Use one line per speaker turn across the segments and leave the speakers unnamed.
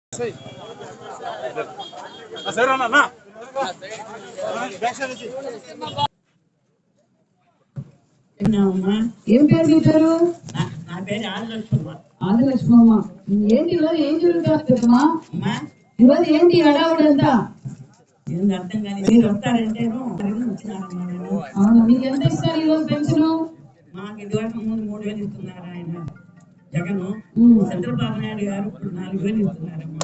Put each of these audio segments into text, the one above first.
ఏం పేరు మీ పేరు?
నా పేరు ఆదిలక్ష్మమ్మ.
ఆదిలక్ష్మమ్మ. ఏంటి ఈరోజు ఏం జరుగుతుందమ్మా? ఈరోజు ఏంటి అడావుడంతా?
అర్థం కానీ మీరు వస్తారంటేను
అవును. మీకు ఎంత ఇస్తారు ఈరోజు పెన్షన్?
మాకు ఇదివరకు 3,000 ఇస్తున్నారు ఆయన జగన్. చంద్రబాబు నాయుడు గారు 4,000 ఇస్తున్నారమ్మా.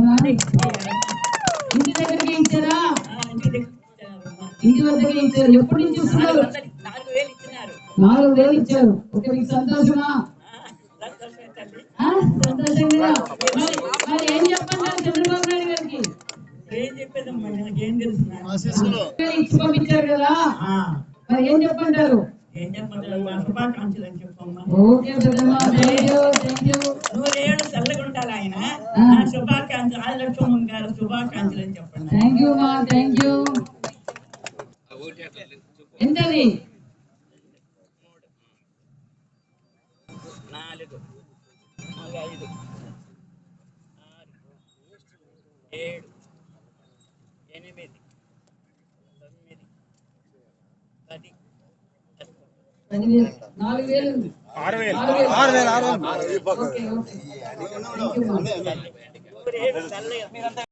ఇంటి దగ్గరికి ఇచ్చారా? ఇంటి వద్దకే ఇచ్చారు. ఎప్పటి నుంచి ఇస్తున్నారు?
4,000 ఇచ్చినారు.
4,000 ఇచ్చారు. ఓకే, మీకు సంతోషమా? సంతోషంగా. మరి ఏం చెప్పంటారు చంద్రబాబు నాయుడు గారికి?
ఏం చెప్పేదమ్మా, నాకేం తెలుసు.
ఇచ్చి పంపించారు కదా, మరి ఏం చెప్పంటారు?
ఏం చెప్పంటారు? మా శుభాకాంక్షలు అని చెప్పమ్మా.
ఓకే పెద్దమ్మా, థ్యాంక్ యూ.
100 చల్లగా ఉంటారు ఆయన. శుభాకాంక్షలు, ఆదిలక్ష్మమ్మ గారు శుభాకాంక్షలు అని చెప్పండి.
థ్యాంక్ యూ మా, థ్యాంక్ యూ. ఎంతది?
4, 5, 6, 7, 8, 9, 10,
4,000. 6,000. ఓకే.